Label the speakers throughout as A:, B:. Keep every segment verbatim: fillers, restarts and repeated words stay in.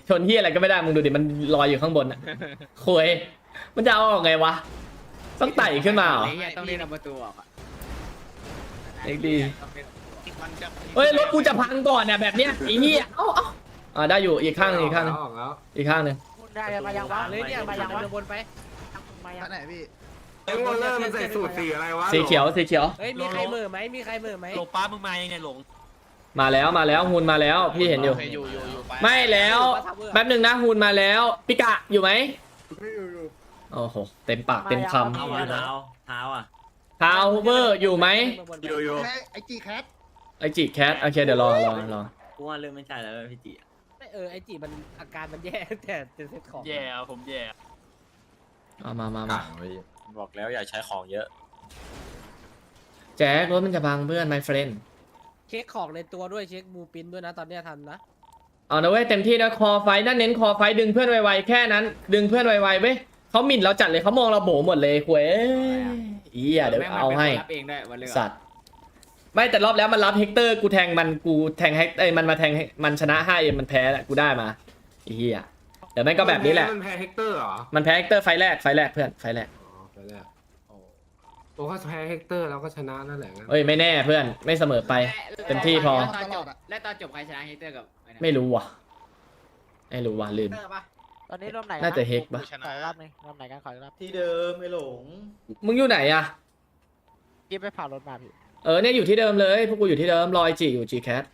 A: ชนที่อะไรก็ไม่ได้มึงดูดิมันลอยอยู่ข้างบนอ่ะโคุยมันจะเอาออกไงวะต้องไต่ขึ้นมาเหรอ
B: ต้องเล่นเอาประตูออกอ่ะ
A: เอ็กดีเฮ้ยรถกูจะพังก่อนเนี่ยแบบเนี้ยไอ้เหี้ยเอ้าเอ้าอ่าได้อยู่อีกข้างหนึงอีกข้างหนึง
C: ออกแล้ว
A: อีกข้างหนึง
D: ได้มายังวะเลยเนี่ยมายังวะวนไปมายัง
E: ไหนพี่
C: ไอ้วอลเลอร์มันใส่สูตรสีอะไรวะ
A: สีเขียวสีเขียว
D: เฮ้ยมีใครเหม่อไหมมีใครเหม่อไหม
F: หลงป้ามึงมายังไงหลง
A: มาแล้วมาแล้วฮูนมาแล้วพี่เห็นอยู่
E: อยู่อยู่อยู่ไป
A: ไม่แล้วแป๊บหนึ่งนะฮูนมาแล้วปิกะอยู่ไหม
E: ไม่อยู่อยู่
A: โอ้โหเต็มปากเต็มค
F: เท้าอ่ะเท้าเท้าอ่ะ
A: ำทาวเวอร์อยู่ไหม
C: อยู่อยู่
E: ไอจีแคท
A: ไอจิแคทโอเคเดี๋ยวรอรอรอ
F: กูว่าเริ่มไม่ใช่แล้วพี่จี
D: เออไอจีมันอาการมันแย่แต่เซ็ตของ
F: แย่ผมแย่
A: เอามามามา
F: บอกแล้วอย่าใช้ของเยอะ
A: แจ็ครถมันจะพังเพื่อน my friend
D: เช็คของในตัวด้วยเช็คบูปินด้วยนะตอนเนี้ยทันนะ
A: เอานะเว้ยเต็มที่นะคอไฟนั่นเน้นคอไฟดึงเพื่อนไวๆแค่นั้น ดึงเพื่อนไวๆเว้ยเขาหมิ่นเราจัดเลยเขามองเราโบหมดเลยคุยอีอ่ะเดี๋ยวเอาให้
B: รับเองได้วันเลือก
A: สัตว์ไม่แต่รอบแล้วมันรับเฮกเตอร์กูแทงมันกูแทงเฮกเอ้ยมันมาแทงให้มันชนะห้าเอ็มมันแพ้แหละกูได้มาไอ้เหี้ยเดี๋ยวแม่งก็แบบนี้แหละ
C: มันแพ้เฮกเตอร์เหรอ
A: มันแพ้เฮกเตอร์ไฟแรกไฟแรกเพื่อนไฟแรก
C: อ๋อไปแล้วโอ้โอ้ก็แพ้เฮกเตอร์แล้วก็ชนะนั่นแหละงั้น
A: เอ้ยไม่แน่เพื่อนไม่เสมอไป เต็มที่พอ
B: ตอนจบและตอนจบใครชนะเฮกเตอร์กับ
A: ไม่รู้ว่ะไม่รู้ว่ะลืม
D: ตอนนี้รอบไหน
A: น่าจะเฮกปะ
D: ขอรอบนึงรอบไหนกันขอรอบ
E: ที่เดิมไม่หลง
A: มึงอยู่ไหนอะ
D: กิ๊บไปผ่ารถมาพี่
A: เออเนี่ยอยู่ที่เดิมเลยพวกกูอยู่ที่เดิมรอไอจีอยู่จีแคท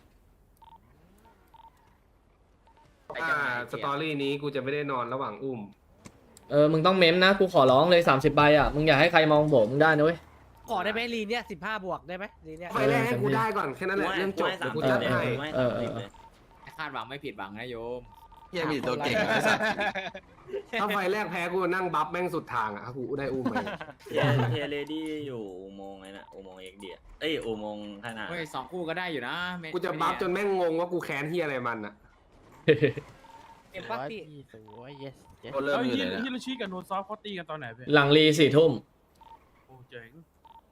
C: อ่าสตอรี่นี้กูจะไม่ได้นอนระหว่างอุ้ม
A: เออมึงต้องเม้มนะกูขอร้องเลยสามสิบใบอะมึงอย่าให้ใครมองโบมึงได้นะเว้ย
D: ขอได้ไหมลีเนี่ยสิบห้าบวกได้ไหมลีเนี่ย
C: ไฟแรกให้กูได้ก่อนแค่นั้นแหละเรื่องจบเดี๋ยวกูจัดให้
A: เออเออ
B: คาดหวังไม่ผิดหวังนะโยม
E: เฮียมีตัวเก่ง
C: ถ้าไฟแรกแพ้กูนั่งบัฟแม่งสุดทางอ่ะกูได้อุ้มไป
F: เทียเทียเลดี้อยู่อุโมงค์ไงนะอุโมงค์เอกเดียเอ้ยอุโมงค์ขนาด
B: เฮ้ยสองคู่ก็ได้อยู่นะ
C: กูจะบัฟจนแม่งงงว่ากูแค้นเฮียอะไรมันอ่ะ
D: เอ็มปัตตี้
E: สวย yes
G: เริ่มอยู่เลยฮิโรชิกับโนซอฟเขาตีกันตอนไหนเพื่อน
A: หลังรีสี่ทุ่ม
G: โอ้เจ๋ง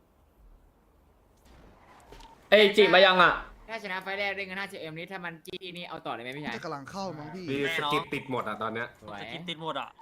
A: เอ้ยจีมายังอะ
B: ถ้าชนะไฟแรกได้เงินห้าสิบเอ็มนี้ถ้ามันจี้นี่เอาต่อเลยไหมพี่ชาย
E: จะกำลังเข้ามั้งพี่
C: มีสกิปติดหมดอ่ะตอนเนี้ย
B: สวย
F: จะกินติดหมดอ่ะ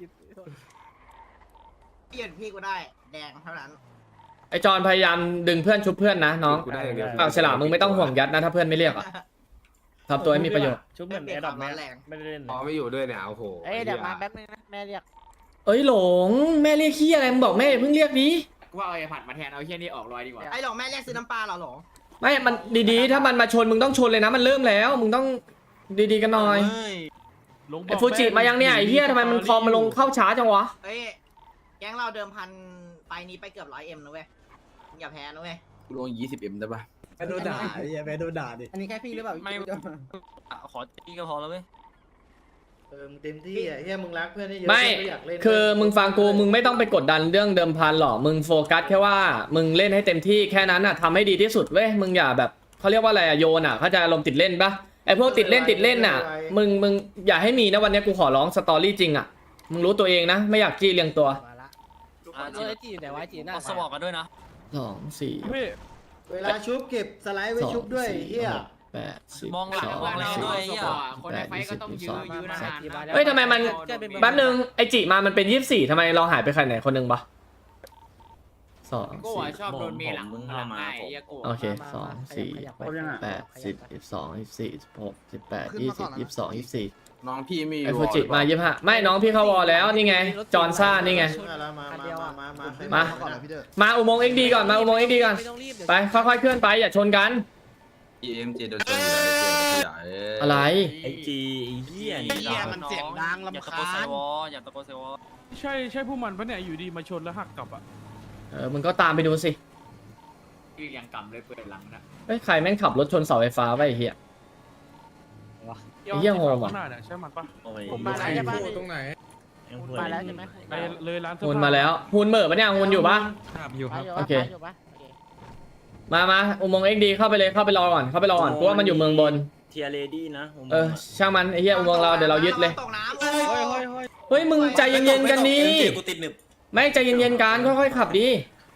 E: เปลี่ยนพี่กูได้แดงเท่านั้น
A: ไอจอนพยายามดึงเพื่อนชุบเพื่อนนะน้อง
C: กูได้อย่างเดียว
A: อ้าวฉลามมึงไม่ต้องห่วงยัดนะถ้าเพื่อนไม่เรียกอะทำตัวให้มีประโยชน์
E: ชุบเหมือนแอดดอปแม่แรง
G: ไม่ได้เล่น
C: พอไม่อยู่ด้วยเนี่ยโอ้โห
D: เอ้ยเดี๋ยวมาแป๊บนึงนะแม่เรียก
A: เอ้ยหลงแม่เรียกขี้อะไรมึงบอกแม่อย่าเพิ่งเรียกดิ
B: กูว่าเอาไอ้ผัดมาแทนเอาเฮี้ยนี่ออกรอยดีกว่า
E: ไอ้หลงแม่เรียกซื้อน้ำปลาเหรอหลง
A: ไม่มันดีๆถ้ามันมาชนมึงต้องชนเลยนะมันเริ่มแล้วมึงต้องดีๆกันหน่อย
G: หลงบ
A: ไอ
G: อก
A: ฟูจิมายังเนี่ยไอเหี้ยทำไมมันคอมมาลงเข้าช้าจังวะ
E: เอ้ยแก๊งเราเดิมพันไปนี้ไปเกือบร้อยเอ็มนะเว้ยอย่าแพ้นะเว้ย
H: กูลงยี่สิบเอ็มได้ปะ
E: แพ้โดนด่าไอ้เหี้ยแพ้โดนด่าดิ
H: อันนี้แค่พี่หรือเปล่า
F: ไม่ขอตีก็พอแล้วเว้ย
E: เออมึงเต็มที่อ่ะเฮียมึงรักเพื่อนได้เยอะ
A: ไม่
E: อยากเล่น
A: คือมึงฟังกูมึงไม่ต้องไปกดดันเรื่องเดิมพันหรอกมึงโฟกัสแค่ว่ามึงเล่นให้เต็มที่แค่นั้นอ่ะทำให้ดีที่สุดเว้ยมึงอย่าแบบเขาเรียกว่าอะไรอะโยนอ่ะเขาจะอารมณ์ติดเล่นปะไอพวกติดเล่นติดเล่นอ่ะมึงมึงอย่าให้มีนะวันนี้กูขอร้องสตอรี่จริงอ่ะมึงรู้ตัวเองนะไม่อยากจี้เรียงตัว
D: มาละเออไอจีอยู่ไหนวะไอจีหน้า
F: เอาสมองกันด้วยนะ
A: สองสี่
G: พี่
E: เวลาชุบเก็บสไลด์ไว้ชุบด้วยเฮีย
A: แปดสิบ
F: มองหลัง
A: สอง
F: มองแรงด้วย
A: สิ
F: เหี้
A: บ
F: ย
B: คนในไฟก็ต้องยื้อยื้อนาน
A: เฮ้ยทำไมมันแป๊บนึงไอจิมามันเป็นยี่สิบสี่ทำไมเราหายไปใครไหนคนหนึ่งปะสอง
B: กู
A: สี่
B: อ่ะชอบโดนเมหลังหลังไอ้เหี้ยกู
A: โอเคสองสี่แปดสิบสิบสองสิบสี่สิบหกสิบแปดยี่สิบยี่สิบสองยี่สิบสี่
H: น้องพี่มี
A: ไอฟูจิมายี่สิบห้าไม่น้องพี่เข้าวอลแล้วนี่ไงจอห์นซ่านี่ไง
E: มามามามา
A: มา มาอุโมงค์เอ็กดีก่อนมาอุโมงค์เอ็กดีก่อน
D: ไม่ต้องรีบเดี๋ยว
A: ไปค่อยๆเคลื่อนไปอย่าชนกัน
H: เอ็มเจโดนชนอยู่แล้วขยาย
A: อะไร
F: ไอจีไอเหี้ย
E: ไอ้เหี้ยมันเสียงดังรำ
F: อย่าตะ
E: คาญ
F: โกนใส่วออย่าตะโกนใส่วอ
G: ใช่ใช่พวกมันปะเนี่ยอยู่ดีมาชนแล้วหักกลับอ่ะ
A: เออมึงก็ตามไปดูสิ
B: ยืนยังกำเลยเปิดหลังนะ
A: เฮ้ยใครแม่งขับรถชนเสาไฟฟ้าไว้ไอ้เหี้ย ไอ้เหี้ยโหดว่ะ
G: ข้างหน้าเนี่ยใช่มันปะ
F: โอ้ย
D: ผมมาแล้วใช่ปะ
E: ตรงไหน
F: ยังพูด
D: มาแล้วใช่ไหม
G: ไปเลยร้านเสื้อ
A: ฮูน
G: ผ้า
A: มาแล้วฮูนเหม่อปะเนี่ยฮูนอยู่ปะ
G: อยู่ครับ
A: โอเค
D: อยู่ปะโอเค
A: มามาอุโมงค์เอ็กดีเข้าไปเลยเข้าไปรอก่อนเข้าไปรอก่อนเพราะว่ามันอยู่เมืองบน
F: เทียเลดี้นะ
A: เออช่างมันไอ้เหี้ยอุโมงค์เราเดี๋ยวเรายึดเลย
E: ตกน้ำ
D: เฮ้ยเฮ้ยเฮ้ย
A: เฮ้ยมึงใจเย็นๆกันดี
F: กูติดหนึบ
A: ไม่ใจเย็นๆกันค่อยๆขับดี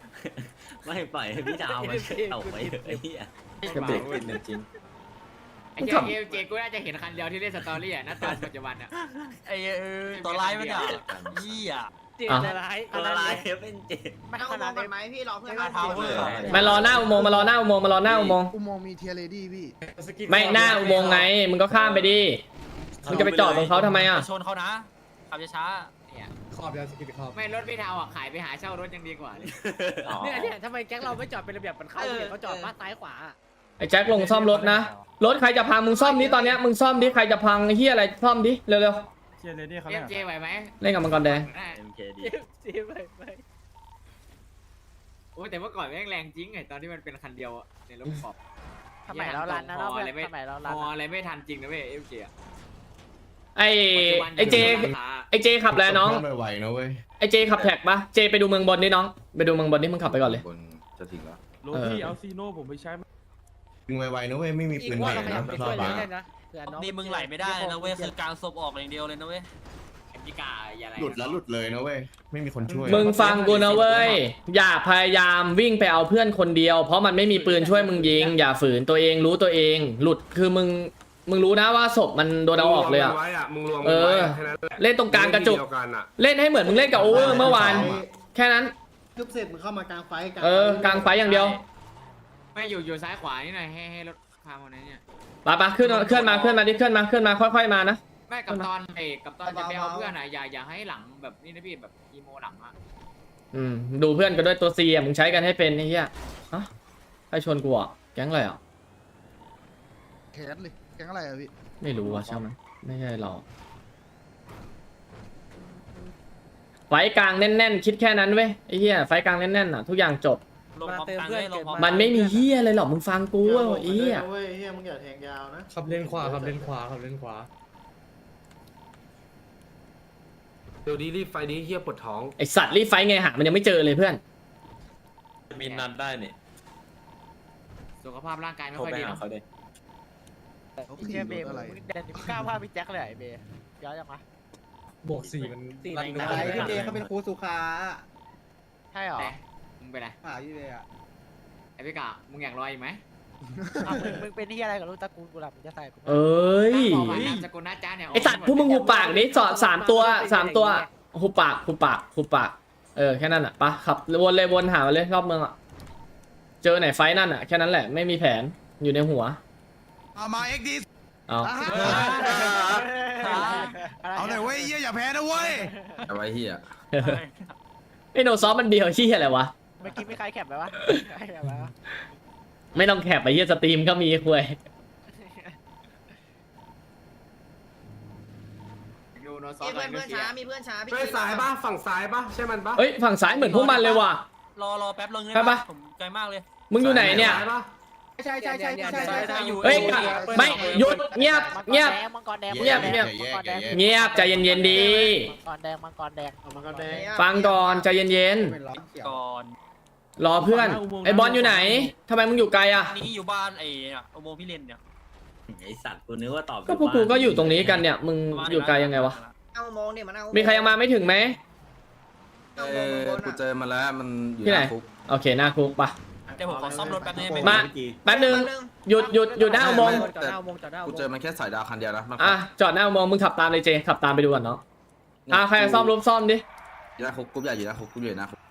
F: ไม่ปล่อยให้พี่ดาวมันเอาไปไอ้เหี้ย
A: กระเบรก
H: เป็นจริง
B: ไอ้เจเอเจกูน่าจะเห็นคันเดียวที่เล่นสตอรี่อ่ะณตอนปัจจุบันอ่ะ
F: ไอ้เออตัวร้ายมันอ่ะยี่อ่ะ
D: เจ็ดร้าย
F: ตัวร้ายเป็นเจ็ด
E: ไม่เอามองกันไหมพี่รอเพื่อน
F: ไม่เอาเว้ย
A: มารอหน้าอุโมงค์มารอหน้าอุโมงค์มารอหน้าอุโมงค์
I: อุโมงค์มีเทียร์เลดี้พี่
A: ไม่หน้าอุโมงค์ไงมึงก็ข้ามไปดิมึงจะไปจอดตรงเขาทำไมอ่ะ
F: ชนเขานะขับช้า
B: เนี่ย
I: ขอบยาสกิดขอบ
B: ไม่รถพี่เทาอ่ะขายไปหาเช่ารถยังดีกว่าเลย
D: เนี่ยเนี่ยทำไมแก๊งเราไม่จอดเป็นระเบียบมันเข้าเนี่ยเขาจอดบ้านซ้ายขวา
A: ไอ้แจ็คลงซ่อมรถนะรถใครจะพังมึงซ่อมดิตอนเนี้ยมึงซ่อมดิใครจะพังไอ้เหี้ยอะไรซ่อมดิเร็ว
G: เชียร์เลดี้เขา
B: เอ
G: เนี่ย
B: ฟเจไหวไหม
A: ๆเล่นกับมังกรแดง
B: ได้
F: เอ็มเคดี
D: เจ็บไปไป
B: โอ้แต่เมื่อก่อนแม่งแรงจริงไงตอนที่มันเป็นคันเดียวอะในรถขอบ
D: สมัยเรารันนะเรา
B: พออะไรไม่
D: สมัยเรา
B: พ
D: รัน
B: ออะไรไม่ทันจริงนะเว้ยเอฟเจ
A: ไอ้ไอ้เจไอ้เจขับแล้วน้อง
H: ไม่ไหวนะเว้ย
A: ไอ้เจขับแท็กปะเจไปดูเมืองบนดิน้องไปดูเมืองบนดิมึงขับไปก่อนเลย
H: บนจะถึงแล้ว
G: โรที่เอาซีโน่ผมไปใช้
H: ถึงไวๆนะเว้ยไม่มี
D: อี
H: ปื
D: ก
H: น
D: ว่า
H: ใหม่
D: เราขยั
H: นะ
D: บไป
H: ร
D: ช่
H: อ
D: วย
H: บ
D: เลย
H: บ้า
D: ได้นะเผื่อน้อง
F: นี่มึงไหลไม่ได้นะเว้ยคือกลางศพออกอย่างเดียวเลยนะเว้ย
B: แอมพิกาอย่าอะไร
H: หลุดแล้วหลุดเลยนะเว้ยไม่มีคนช่วย
A: มึงฟังกูนะเว้ยอย่าพยายามวิ่งไปเอาเพื่อนคนเดียว เพราะมันไม่มีปืนช่วยมึงยิงอย่าฝืนตัวเองรู้ตัวเอง หลุดคือมึงมึงรู้นะว่าศพมันโดนเอาออกเลยอ่ะ
C: มึงรวมกันไว้อะมึงรวม
A: เอ
C: กันไว้
A: อ
C: อะแค่นั้นแหละ
A: เล่นตรงกลางกระจุก
C: เดียวกันอะ
A: เล่นให้เหมือนมึงเล่นกับโอเวอร์เมื่อวานแค่นั้น
I: ทุบเสร็จมึงเข้ามากลางไฟ
A: เออกลางไฟอย่างเดียว
B: ไม่อยู่อยู่ซ้ายขวานี่หน่อยให้ให้รถพามาไหนเนี่ย
A: ปะปะขึ้นมาขึ้นมาขึ้นมาดิขึ้นมาขึ้นมาค่อยๆมานะ
B: ไม่กับตอนเอกกับตอนจะไปเอาเพื่อนอ่ะอย่าอย่าให้หลังแบบนี่นะพี่แบบอีโมหลังอ่ะ
A: อืมดูเพื่อนกันด้วยตัวซีอ่ะมึงใช้กันให้เป็นไอ้เหี้ยฮะใครชวนกูอ่ะแก๊งอะไรอ่ะ
I: แคสเลยแกงอะไรอะพี่
A: ไม่รู้อ่ะใช่ไหมไม่ใช่เราไฟกลางแน่นๆคิดแค่นั้นเว้ยไอ้เหี้ยไฟกลางแน่นๆอ่ะทุกอย่างจบ
F: ลงพร้อมกันเลยลงพร้อม
A: มันไม่มีเหี้ยอะไรหรอกมึงฟังกูอ่ะไอ้เหี้ย
I: เว้ยเฮียมึงอย่าแทงยาวนะ
J: ขับเลนขวาขับเลนขวาขับเลนขวา
C: เดี๋ยวดีรีบไฟนี้เฮียปวดท้อง
A: ไอสัตว์รีบไฟไงหามันยังไม่เจอเลยเพื่อน
F: มีนันได้เนี่ย
B: สุขภาพร่างกายไม่ค่อยดีเนาะ
I: เขา
D: เฮี
I: ขี่
D: ยเบ
I: ร
D: ย์
I: ถอะไร
D: มึงเดินกล้าพาพี่แจ็คเลยไอ้เบย์ย้อนยังวะ
J: บวกสี่มัน
D: สี่
J: รัน
D: ไหน
J: ได้
I: พี่เจเขาเป็นครูสุขา
D: ใช่หรอ
B: แต่มึงเป็นไร
I: หาพี่เจอะ
B: ไอพิกามึงอยากรออีกไหม
D: อ่ะมึงมึงเป็นที่อะไรกับลูกตระกูลกูหลับมึงจะใส่กูไหม
A: เอ้ย
B: บอกว่านามสกุลน้าจ้าเนี่ย
A: ไอสัตว์พวกมึงหูปากดิสอดสามตัวสามตัวหูปากหูปากหูปากเออแค่นั้นอ่ะปะขับวนเลยวนหามาเลยรอบเมืองอ่ะเจอไหนไฟนั่นอ่ะแค่นั้นแหละไม่มีแผนอยู่ในหัว
I: เอามาเอ็กดี
A: เอา
I: เอาหน่อยเว้ยเฮียอย่าแพ้นะเว้ย
H: เอาไว้เฮีย
A: ไอโนซอฟมันเดียวชี้อะไรวะ
D: เมื่อกี้ไม่ใครแคปไหมวะใครแคปไหมวะ
A: ไม่ต้องแคปไปเฮียสตรีมก็มีคุย
B: ดูโนซอ
E: มี
B: ฟ
E: เพื่อนเพื่อน
B: เชีย
E: ช้า
B: ร์
E: มีเพื่อนช้าพี่
C: ไปซ้ายปะฝั่งซ้ายปะใช่มันปะ
A: เอ้ยฝั่งซ้ายเหมือนพวกมันเลยว่ะ
F: รอรอแป๊บลง
A: ไปปะ
F: ผมไกลมากเลย
A: มึงอยู่ไหนเนี่ย
C: ซ้ายปะ
I: ใช่ใช่ใช่ใช่ใช่ใช่
F: อยู่
A: เฮ้ยไม่หยุดเงียบเงียบ
D: มังกรแดง
A: เงียบเงียบ
D: มังกรแดง
A: เงียบใจเย็นๆดี
D: มังกรแดงมังกรแดง
I: มันก็แดง
A: ฟังก่อนใจเย็น
I: เป็นล้อเขียว
F: ก่อน
A: ๆรอเพื่อนไอบอลอยู่ไหนทำไมมึงอยู่ไกลอ่ะ
F: นี่อยู่บ้านไอ้เนี่ยอุโมงค์พี่เลนเนี่ยไอสัตว์กูนึกว่าตอบ
A: ก็พวกกูก็อยู่ตรงนี้กันเนี่ยมึงอยู่ไกลยังไงวะ
E: เอาโมงเนี่ยมันเอา
A: มีใครยังมาไม่ถึงไหม
H: เออกูเจอมาแล้วมันอยู่
A: ที่ไหน
H: น้าคุก
A: โอเคหน้าคุกปะ
F: เดี๋ยวผมขอซ่อมรถแป๊บนึง
A: มา แป๊บนึงหยุดหยุดหยุดหน้าอุโมงค์
D: จอดหน้าอุโมงค์จอดหน้าอุ
H: กู
D: โมง
H: เจอ
D: ค์
H: มันแค่สายดาวคันเดียวนะมัน
A: อ่ะจอดหน้าอุโมงค์มึงขับตามเลยเจขับตามไปดูก่อนเนาะอ่ะใครจะซ่อมรถซ่อมดิ
H: อยู่หน้าคุกกูใหญ่อยู่หน้าคุกกูอยู่หน้าคุก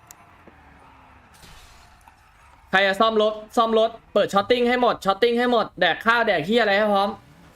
A: ใครจะซ่อมรถซ่อมรถเปิดช็อตติ้งให้หมดช็อตติ้งให้หมดแดกข้าวแดกขี้อะไรให้พร้อม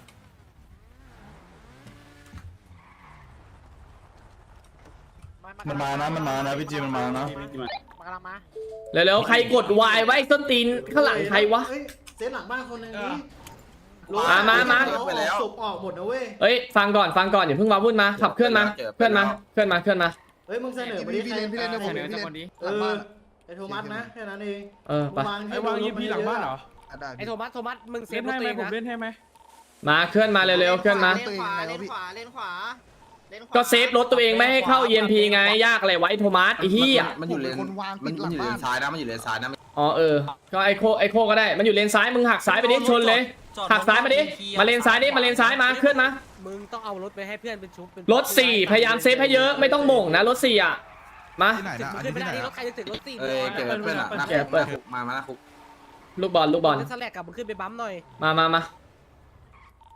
D: มันมานะมันมานะพี่จีมันมานะมันกำลังมา
A: เร็วๆใครกดวายไว้ส้นตีนข้างหลังใครวะ
I: เซตหลังบ้านคนนึงนี่
A: มามามา
I: ศพออกหมดนะเว้ย
A: เอ้ยฟังก่อนฟังก่อนอย่าเพิ่งมาวุ่นมาขับเคลื่อนมาเคลื่อนมาเคลื่อนมาเคลื่อนมา
I: เฮ้ยมึงเสนอมาดิพี่เลนพี่เลน
B: เสนอสักคนดี
I: เออไอโทมัสนะแค่นั้นเอง
A: เออไป
G: ไอ้วางยีพีหลังบ้านเหรอ
D: ไอ้โทมัสโทมัสมึงเซ
G: เล่
D: ฟ
G: น
D: รถ
G: ให้ไหม
D: ตัวเอง
G: ผม
D: นะ
G: เล่นให้ไหม
A: มาเคลื่อนมาเร็วๆเคลื่อนมา
E: เลนขวาเลนขวาเลนขวาเลนขวา
A: ก็เซฟรถตัวเองไม่ให้เข้า อี เอ็ม พี ไงยากอะไรวะไอ้โทมัสไอ้เหี้ย
H: มันอยู่เลนมันมันอยู่เลนซ้ายนะมันอยู่เลนซ้ายนะ
A: อ๋อเออก็ไอโคไอโคก็ได้มันอยู่เลนซ้ายมึงหักซ้ายไปดิชนเลยหักซ้ายมาดิมาเลนซ้ายดิมาเลนซ้ายมาเคลื่อนมา
D: มึงต้องเอารถไปให้เพื่อนเป็นชุบเป็น
A: รถสี่พยายามเซฟให้เยอะไม่ต้องโหม่งนะรถสี่อ่ะมา
I: ที่ไหนนะอัน
D: ขึ้
I: นี้
D: นไม่
I: ที่
D: ได้
I: ไหน
D: รถใครจะถึงรถสี่
H: เอ้ยเก็บไว้เพื่อนอะหน้า
A: เก็
H: คุ
A: บ
H: ก
A: เปิด
H: มามาหน้าคุก
A: ลูกบอลลูกบอล
D: สแลกกับมึงขึ้นไปบั๊มหน่อย
A: มามามา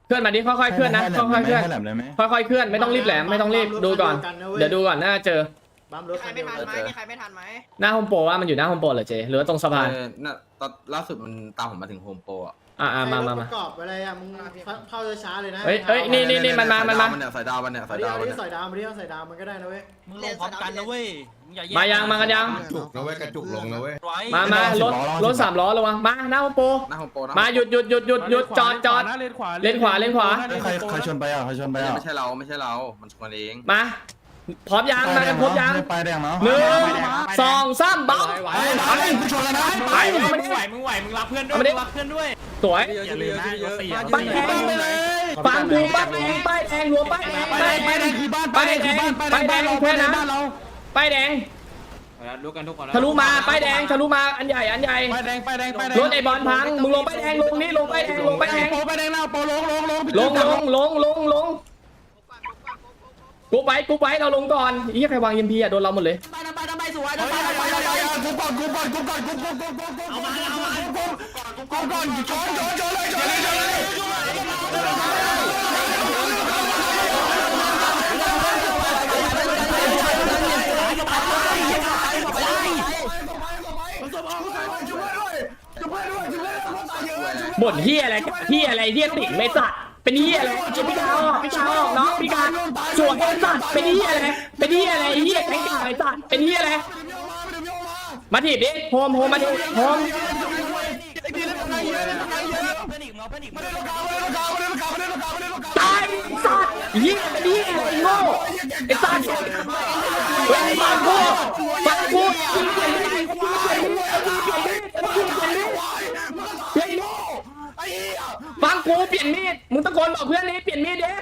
A: เคลื่อนมาดิค่อยๆเคลื่อนนะค่อยๆเคลื่อนค่อยๆเคลื่อนไม่ต้องรีบแหลมไม่ต้องรีบดูก่อนเดี๋ยวดูก่อนน่าเจอ
E: ใครไม่ทันไหมมีใครไม่ทันไหม
A: หน้าโฮมโปรว่ามันอยู่หน้าโฮมโปรเหรอเจหรือว่าตรงสะพาน
H: เออน่ะตอนล่าสุดมันตามผมมาถึงโฮมโปรอ่ะ
A: อ่ามามามา
K: ประกอบอะไรอ่ะมึงเข้าช้าเลยนะ
A: เฮ้ยเฮ้ยนี่นี่นี่มันมามันมา
H: เนี่ยสายดาวมันเนี่ย
K: เอา
H: สาย
K: ดิ
H: ดาว
K: เอา
H: มัน
K: ดิ
H: เนี่ย
K: ใส่ดาวมาดิเอาใส่ดาวมันก็ได้นะเว้ย
E: มึงลงพร้อมกันนะเว้ย
A: มายังมากันยัง
J: จุกนะเว้ยกระจุกลงนะเว้ย
A: มามารถรถสามล้อระวังมาหน้าโฮมโปร
H: หน้าโฮมโปรนะ
A: มาหยุดหยุดหยุดหยุดหยุดจอดจอด
G: เลนขวา
A: เลนขวาเลนขวา
H: ใครใครชนไปอ่ะใครชนไปอ่ะไม่ใช่เราไม่ใช่เรามันชนเอง
A: มาพร้อมยังมากันครบยัง
H: ไปแดงเนาะ
A: หนึ่งสองสามบัง
H: ไปกูชนแล้วนะ
A: ไป
B: มึงไหวมึงไหวมึงรับเพื่อนด้วยมึงรับเพื่อนด้วย
A: สวย
B: อย่าลืมนะรถสี่
A: ป้ายแดงฟังกูป้ายแดงป้ายแดงหัวป้ายแดงป้ายแดงคือบ้านป้ายแดงป้ายแดงแค่นั้นป้ายแดง
B: รู้กันทุกคน
A: ทะลุมาป้ายแดงทะลุมาอันใหญ่อันใหญ่
H: ไปแดงไปแดงไปแดง
A: รถไอ้บอลพังมึงลงป้ายแดงลงนี่ลงป้ายแดงลงป้ายแดง
H: โปไปแดงแล้วโปลงลงลง
A: ลงลงลงลงลงกูไปกูไปเราลงก่อนอีใครวางยิมพีอ่ะโดนเราหมดเลย
E: ไปทำไปทำไปสวย
H: ไป
E: ทำ
H: ไป
E: ไป
H: ไป
E: ทำ
H: ไป
E: ไป
H: กูก่อนกูก่อนกูก่อนกูก่อนกูก่อนกูก่อน
E: เอามาเอามา
H: กูก่อนชนชนชนเลยชนเลยชนเลย
A: บ่นเฮียอะไรเฮียอะไรเฮียติ่งไม่สัตว์เป็นเฮียอะไรพี่กาออกพี่กาออกเนาะพี่กาสวยไอ้สัตว์เป็นเฮียอะไรเป็นเฮียอะไรเฮียแข็งกาไอ้สัตว์เป็นเฮียอะไรมาถีบดิโฮมโฮมมาถีบโฮมตายสัตว์เฮียเป็นเฮียอะไรโง่ไอ้สัตว์เฮ้ยฟังกูฟังกูยิงเปลี่ยนไม่ได้ยิงเปลี่ยนไม่ได้ยิงเปลี่ยนไม่ได้ยิงเปลี่ยนไม่ได้เปลี่ยนโง่ฟังกูเปลี่ยนมีดมึงตะโกนบอกเพื่อนนี้เปลี่ยนมีดเด้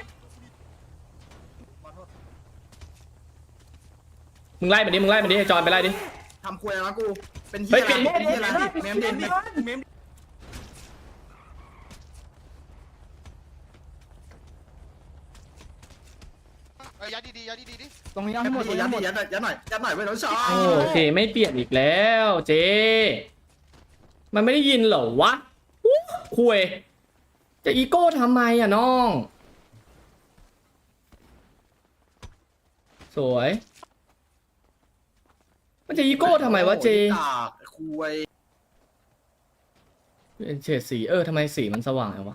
A: มึงไล่มาดิมึงไล่มาดิจอนไปไล่ดิ
H: ทำควยแล้วกูเป็น
A: เฮ้
H: เฮี
A: ย
H: ย
A: เปลี่ยนมีด
H: อะไร
A: ดิ
H: เมมเด่นเมม
I: ยัดดีๆยัดดีๆดิ
H: ตรงนี้เอาให้หมดยัดยัดยัดยัดหน่อยยัดหน่อยไม่ต้องชอ
A: โอเคไม่เปลี่ยนอีกแล้วเจมันไม่ได้ยินเหรอวะอู้คุยจะอีโก้ทำไมอ่ะน้องสวยมันจะอีโก้ทำไมวะเจ
H: คุย
A: เป็นเฉดสีเออทำไมสีมันสว่างเลยวะ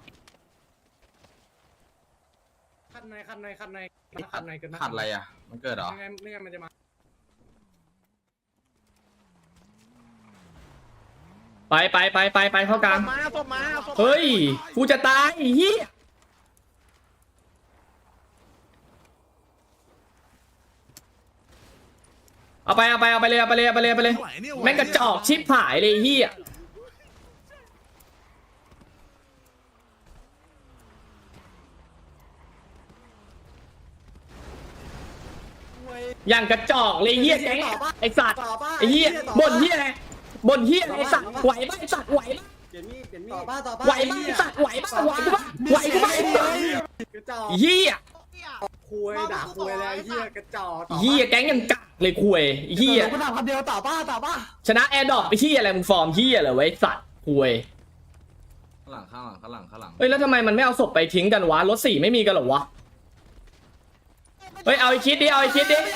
J: ขัดในขัดในขัดในขัดในกันนะ
H: ขัดอะไรอ่ะมันเกิดเหรอ
J: ไม่งั้นไม่งั้นมันจะมา
A: ไปไปไปไปไปเข้ากลาง
E: มาศพมาศพ
A: เฮ้ยกูจะตายเฮียเอาไปเอาไปเอาไปเลยเอาไปเลยเอาไปเลยเอาไปเลยแม่งกระจอกชิบหายเลยเฮียอย่างกระจอกเลยเฮียแก๊งไอสัตว์ไอเฮียบ่นเฮียอะไรบ่นเฮียอะไรไอสัตว์ไหวปะไอสัตว์ไหวปะ
K: ต่อป้าต่อป้า
A: ไหวปะไอสัตว์ไหวปะไหวปะไหวปะไอสัตว์
K: กระจอก
A: เฮีย
K: คุยด่าคุยอะไรเหี้ยกระจอก
A: เฮียแก๊งยังกักเลยคุยเฮีย
K: กูด่าคำเดียวต่อป้าต่อป้า
A: ชนะแอร์ดรอปไปเฮียอะไรมึงฟอร์มเฮียเหรอไว้สัตว์คุย
H: ข้างหลังข้างหลังข้างหลังข้างหลัง
A: เฮ้ยแล้วทำไมมันไม่เอาศพไปทิ้งกันวะรถสี่ไม่มีกันเหรอวะเฮ้ยเอาไอคิดดิเอาไอคิดดิ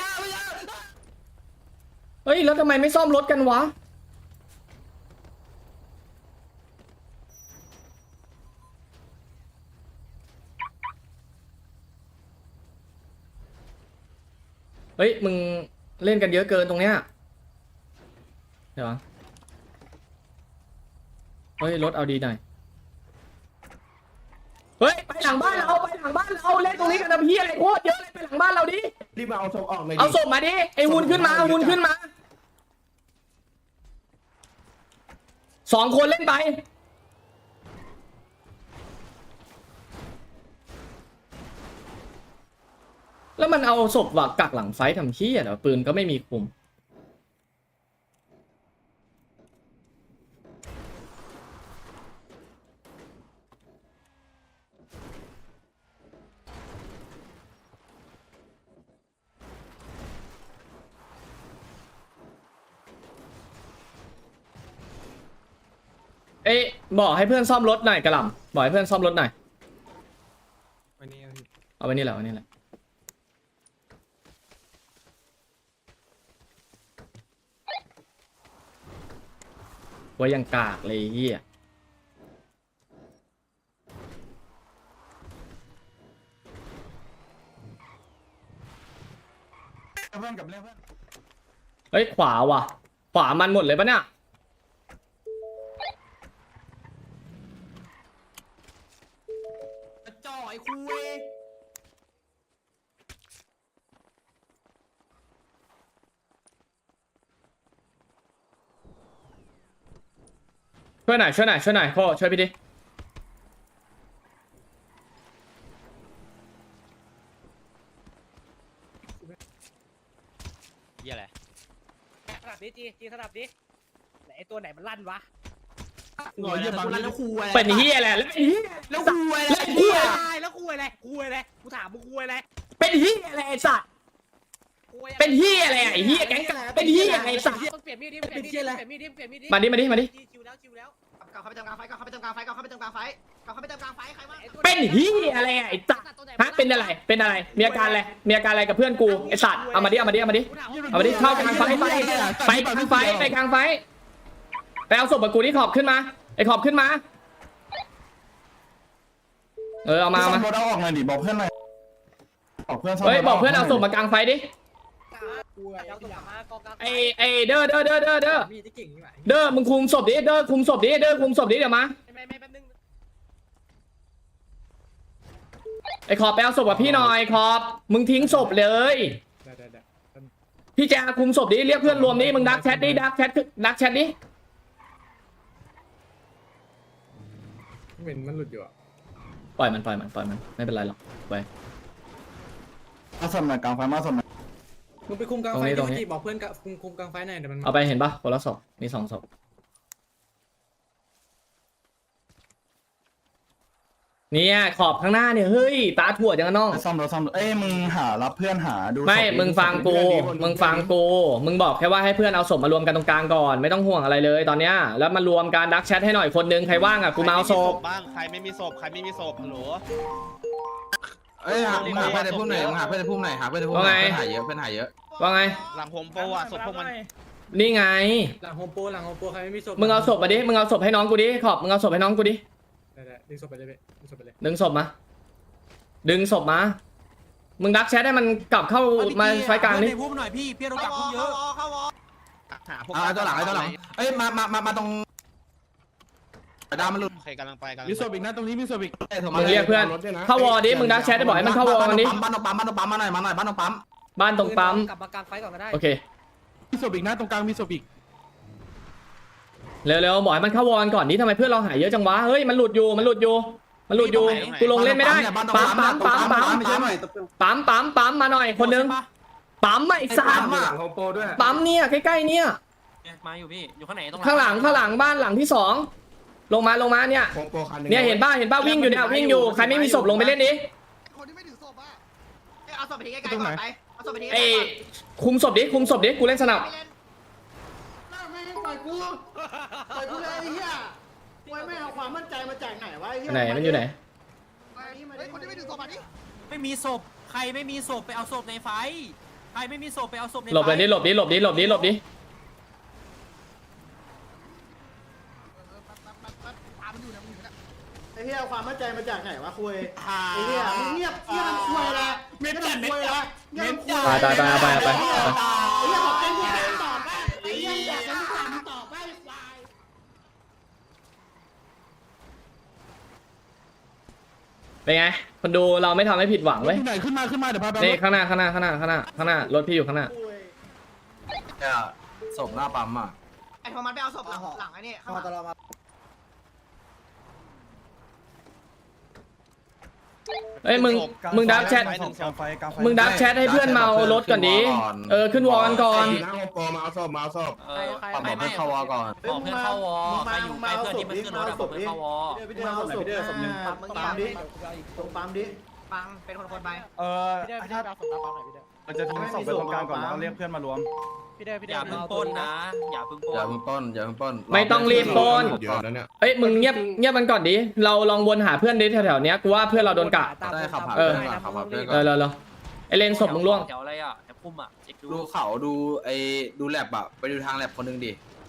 A: เฮ้ยแล้วทำไมไม่ซ่อมรถกันวะเฮ้ยมึงเล่นกันเยอะเกินตรงเนี้ยเดี๋ยวเฮ้ยรถเอาดีหน่อยเฮ้ยไปหลังบ้านเราไปหลังบ้านเราเล่นตรงนี้กันนะพี่อะไรโคตรเยอะเลยไปหลังบ้านเราดิ
J: รีบมาเอาศพออกเลย
A: เอาศพมาดิไอ้วุนขึ้นมาวุนขึ้นมาสองคนเล่นไปแล้วมันเอาศพว่ะกักหลังไฟทำขี้อ่ะเดี๋ยวปืนก็ไม่มีคุมเอ้ยบอกให้เพื่อนซ่อมรถหน่อยกระหล่ำบอกให้เพื่อนซ่อมรถหน่อยไว้นี่แหละเอาไว้นี่แหละไว้ยังกากเลยเฮีย
H: เพื่อนกับเพื่อนเพื่อน
A: เฮ้ยขวาว่ะขวามันหมดเลยปะเนี่ย
K: จ่อยคุย
A: ช่วยหน่อยช่วยหน่อยช่วยหน่อยโคช่วยพี่ดิ
B: เหี้ยอะไร
D: สลับดิจีจีสลับดิไหนไอตัวไหนมันลั่นวะ
H: หน่อยเยี่ยมบาง
K: แล้วคุย
A: เป็นเฮียแหละแล้วไอ้เฮีย
K: แล้วคุย
A: แล้วไอ้เฮีย
D: แล้วคุยอะไรคุยอะไรกูถามมึงคุยอะไร
A: เป็นเฮียอะไรไอ้สัตว์เป็นเฮียอะไรไอ้เฮียแก๊งกากเป็นเฮียอะไรไอ้สัตว์
D: เปลี่ยนมีดดิเปลี่ยนมีดดิเปลี่ยนมีดดิเปลี่ยนมีดดิ
A: มาดิมาดิมาดิ
D: ชิวแล้วชิวแล้ว
E: กลับเข้าไปเติมกลางไฟกลับเข้าไปเติมกลางไฟกลับเข้าไปเติมกลางไฟกลับเข้าไปเติมกลางไฟใครวะ
A: เป็นเฮียอะไรไอ้สัตว์ฮะเป็นอะไรเป็นอะไรมีอาการอะไรมีอาการอะไรกับเพื่อนกูไอ้สัตว์เอามาดิเอามาดิเอามาดิเอามาดิเข้ากลางไฟไปไปกลางไฟไปกลางไฟไปเอาศพกับกูที่ขอบขึ้นมาไอ้ขอบขึ้นมาเออเอามาเอา
H: ซ่อ
A: มา
H: มรถเอาออกหน่อยดิบอกเพื่อนหน่อยบอกเพื่อนซ่อม
A: เฮ้ยบอกเพื่อนเอาศพมากลางไฟดิ
D: เอาตัวมากองกลาง
A: ไอไอเด้อเด้อเด้อเด้อเด้อ
K: มีที่เก่งนี่หว่า
A: เด้อมึงคุมศพดิเด้อคุมศพดิเด้อคุมศพดิเดี๋ยวมา
D: ไม่ไม่แป๊บนึง
A: ไอขอบไปเอาศพกับพี่หน่อยขอบมึงทิ้งศพเลย
J: ได้ได้ได้
A: พี่แจคุมศพดิเรียกเพื่อนรวมดิมึงดักแชทดิดักแชทดักแชทดิ
J: เหม็นมันหลุดอยู่อ่ะ
A: ปล่อยมันปล่อยมันปล่อยมันไม่เป็นไรหรอกไป
H: มาสมหน่อยกลางไฟมาสมหน่อย
J: มึงไปคุมกลาง
A: ตรง
J: ไฟ
A: นี้ตรง
J: ดิ
A: นี้
J: จิบอกเพื่อนกับคุมคุมกลางไฟหน่อยเดี๋ยวมัน
A: เอาไปเห็นปะคนละศพมีสองศพเนี่ยขอบข้างหน้าเนี่ยเฮ้ยตาถั่วจังอะน้อง
H: ซ่อมรถซ่อมรถเอ้ยมึงหารับเพื่อนหาดู
A: ไม่
H: ศพดิ
A: มึงฟังกูมึงฟังกูมึงบอกแค่ว่าให้เพื่อนเอาศพมารวมกันตรงกลางก่อนไม่ต้องห่วงอะไรเลยตอนเนี้ยแล้วมารวมการดักแชทให้หน่อยคนนึงใครว่างอ่ะกูมาเอาศพ
F: บ้างใครไม่มีศพใครไม่มีศพฮัลโหล
C: เอ้ยหามึงหาเพื่อนในพุ่มไหนมึงหาเพื่อนในพุ่มไหนหาเพื่อนในพุ่มไหนเพื่อนหาเยอะเพื่อนหาเยอะ
A: ว่าไง
F: หลังโฮมโปรอ่ะศพพวกมัน
A: นี่ไง
J: หลังโฮมโปรหลังโฮมโปรใครไม่มีศพ
A: มึงเอาศพมาดิมึงเอาศพให้น้องกูดิขอบมึงเอาศพให้น้องกูดิ
J: ได้ได้ดึงศพไปเลยเว้ยดึงศพไปเลย
A: ดึงศพมาดึงศพมามึงดักแชทให้มันกลับเข้ามาไฟกลางนี่
K: พูดหน่อยพี่พี่เรา
E: เข้า
K: จับ
E: วอ
K: พูดเย
E: เข้า
K: อะ
E: วอเข้าวอ
F: หาพวก
C: เอาตัวหลังไอ้ตัวหลังเอ้ยมามามามาตรงดามันหลุด
F: ใครกำลังไปกำลัง
G: มีศพอีกนะตรงนี้มีศพอีก
A: มึงเรียกเพื่อนเข้าวอดิมึงดักแชทได้บอกให้มันเข้าวอกันดิ
C: บ้านตรงปั๊มบ้านตรงปั๊มมาหน่อยมาหน่อยบ้านตรงปั๊ม
A: บ้านตรงปั๊ม
D: กลับมากลางไฟก่อนก็ได้
A: โอเค
G: มีศพอีกนะตรงกลางมีศพอีก
A: เร็วๆบอกให้มันเข้าวอกันก่อนนี้ทำไมเพื่อนเราหายเยอะจังวะเฮ้ยมันหลุดอยู่มันหลุดอยู่มันหลุดอยู่กูลงเล่นไม่ได้ปั๊มปั๊มปั๊มปั๊มปั๊ม
C: ไม่ใช่หน่อย
A: ปั๊มปั๊มปั๊มมาหน่อยคนนึงปั๊มไอ้สา
C: ปั๊
A: ม
C: มหลังโฮมโปรด้วย
A: ปั๊มเนี่ยใกล้ๆเนี่ย
K: มาอยู่พี่อยู่ข้างไหนตรง
A: ข้างหลังข้างหลังบ้านหลังที่สองลงมาลงมาเนี่ย
J: โฮมโปรคันหนึง
A: เนี่ยเห็นป้าเห็นป้าวิ่งอยู่เนี่ยวิ่งอยู่ใครไม่มีศพลงไปเล่นดิ
I: คนที่ไม่ถือศพอ่ะ
E: เอาศพไปทิ้งไกลๆก่อนไปเอาศพไปทิ้งไกล
A: ไอ้
E: ๆก่อน
A: คุมศพดิคุมศพดิกูเล่นสนับ
E: ไม่เล่น
K: หน้าไม่ให้ปล่อยกูปล่อยกูเลยไอ้เหี้ยปล่อยไม่เอาความมั่นใจมาจากไหนวะไอ้เหี้ย
A: ไหนมันอยู่ไหน
I: เฮ้ยคนที่ไม่ถือศพอ่ะนี่
K: ไม่มีศพใครไม่มีศพไปเอาศพในไฟใครไม่มีศพไปเอาศพในไฟ
A: หลบเลยดิหลบดิหลบดิหลบดิหลบดิ
I: ตามมันอยู่นะมึงอยู่นะ
K: ไอ้เหี้ยเอาความมั่นใจมาจากไหนวะคุยไอ้เหี้ยมึงเงียบเงียบคุยละเงียบคุยละเงียบคุย
A: ตายตายตายเอาไปเอาไปเอาไป
K: ไอ้เหี้ยบอกเป็นผู้ถามตอบไปไอ้เหี้ยอยากเป็นผู้ถามตอบไปควาย
A: เป็นไงคนดูเราไม่ทำให้ผิดหวัง
G: รถ
A: เว้ย
G: ที่ไหนขึ้นมาขึ้นมาเดี๋ยวพาไป
A: นี่ข้างหน้าข้างหน้าข้างหน้าข้างหน้าข้างหน้ารถพี่อยู่ข้างหน้า
K: คุย
C: เนี่ยศพหน้าปั๊มอ่ะ
E: ไอ้โทมัสไปเอาศพหลังหลังไอ้นี่ข้างหลัง
A: เอ้ยมึงมึงดักแชทมึงดักแชทให้เพื่อนเมารถก่อนดิเออขึ้นวอลกันก่อน
J: หน้าโฮมโปรมาเอาศพมาเอาศพ
K: ใครใคร
C: บอกเพื่อนเข้าวอก่อน
K: บอกเพื่อนเข้าวอใครอยู่ใกล้เพื่อนที่มันขึ้นรถอะบอกเพื่อนเข้าวอพี่เดินเอาศพพี่เดินศพหนึ่งปั๊มปั๊มดิตรงปั๊มดิ
E: ฟังเป็นคนคนๆไป
H: เออ
D: พี่เด้อพี่เด้อเอาศพมาเปล่าหน่อยพี่เด้อ
H: มันจะทิ้งศพไปตรงกลางก่อนแล้วเรียกเพื่อนมารวม
D: พี่เด้อพี่
B: อ
D: เด้อย่
B: าเพิ่งปล้นนะ อย่าเพิ่งปล้
C: อย่าน เพิ่งป้นอย่าเพิ่งป้น
A: ไม่ต้องรีบปล้น
J: เดี๋ยวนั้นเนี่ย
A: เอ้ยมึงเงียบเงียบมันก่อนดิเราลองวนหาเพื่อนดิแถวๆเนี้ยกูว่าเพื่อนเราโดนกะ
C: ได้ขับผ่าน
A: เออ
C: เพื่อนก่อนขับผ่านเพื่อนก่
A: เอ
C: อ
A: อน เร็วๆไอเลนศพมึงล่วง
B: แถวอะไรอ่ะแถวพุ่มอ่ะเช็คดู
C: ดูเขาดูไอ้ดูแลบอะไปดูทางแลบคนหนึงดิ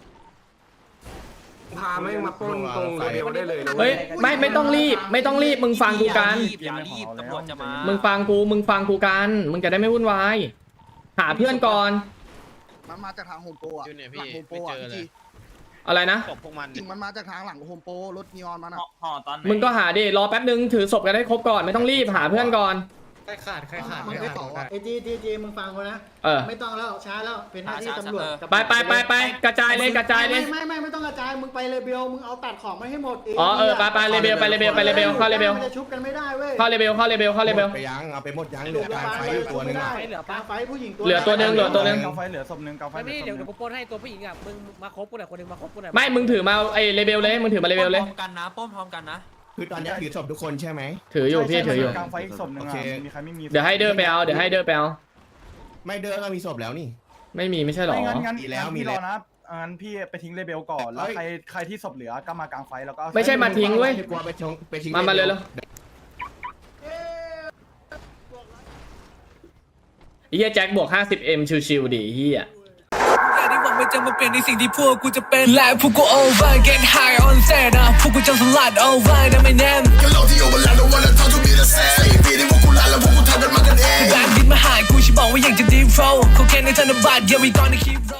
J: พาไม่มาปล้นตรงเดียวได้เลย
A: เฮ้ยไม่ไม่ต้องรีบ ไม่ต้องรีบมึงฟังกูกัน
B: อย่ารีบตำรวจจะมา
A: มึงฟังกูมึงฟังกูกันมึงจะได้ไม่วุ่นวายหาเพื่อนก่อน
I: มันมาจากทางโฮมโปรอะหลังโฮมโปรอะพี่
A: อะไรนะ
I: จริงมันมาจากทางหลังโฮมโปรรถนีออนมันอะ
F: ห่อตอนไหน
A: มึงก็หาดิรอแป๊บนึงถือศพกันได้ครบก่อนไม่ต้องรีบหาเพื่อนก่อน
J: ใครขาดใครขาด
K: มึงไม่ต่อไอ้จีจีจีมึงฟังกูนะ
A: เออ
K: ไม่ต้องแล้วช้าแล้วเป็นหน้าที่ตำรวจกับ
A: ไปไปไปไปกระจายเลยกระจายเลย
K: ไม่ไม่ไม่ไม่ต้องกระจายมึงไปเลเบลมึงเอาตัดของมาให้หมด
A: อ๋อเออไปไปเลเบลไปเลเบลไปเลเบลเข้าเลเบล
K: มันจะชุบกันไม่ได้เว้ย
A: เข้าเลเบลเข้าเลเบลเข้าเลเบล
J: ไปยังเอาไปหมดยังเหลือกลางไฟอยู่ตัวนึงอ่ะ
K: เหลือปลาไฟผู้หญิงตัว
A: เหลือตัวหนึ่งเหลือตัวหนึ่ง
H: กาไฟเหลือศพหนึ่งกาไฟ
D: ไม่
H: เหลือศพห
D: เดี๋ยว
H: นึ่
D: เดี๋ยว
H: ง
D: กูปล้นให้ตัวผู้หญิงอ่ะมึงมาครบกูหน่อยคนหนึงมาครบกูหน่อย
A: ไม่มึงถือมาไอเลเบลเลยมึงถือมาเลเบลเลย
B: พร้อมกันนะปล้นพร้อมกันนะ
J: คือตอนนี้ถือศพทุกคนใช่ไหม
A: ถืออยู่พี่ถืออยู่
H: กลางไฟอีกศพหนึ่งอ่ะมีใครไม่มี
A: เดี๋ยวให้เดินไปเอาเดี๋ยวให้เดินไปเอา
J: ไม่เดินก็มีศพแล้วนี่
A: ไม่มีไม่ใช่หรอ
H: ไม่งั้นงั้น
J: มีแล้วมี
H: พี่
J: แล้
H: ร
J: ว
H: อนะงั้นพี่ไปทิ้งเลเบลก่อนแล้ว
J: เอ้ย
H: ใครใครที่ศพเหลือก็มากลางไฟแล้วก็
A: ไม่ใช่มาทิ้งเว้ย
J: กลัวไปชงไปทิ้ง
A: มามาเลยเลยเฮียแจ็คบวก ห้าสิบเอ็ม ชิวๆดิเฮีย
L: ได้หวังมันจะมาเปลี่ยนในสิ่งที่พวกกูจะเป็นและพวกกู over get high on set นะพวกกูจะสลัด over นะไม่แน่แบนดินมาหากูฉันบอกว่าอยากจะ deep flow เขาแค่ในธนบัตร yeah we gonna keep roll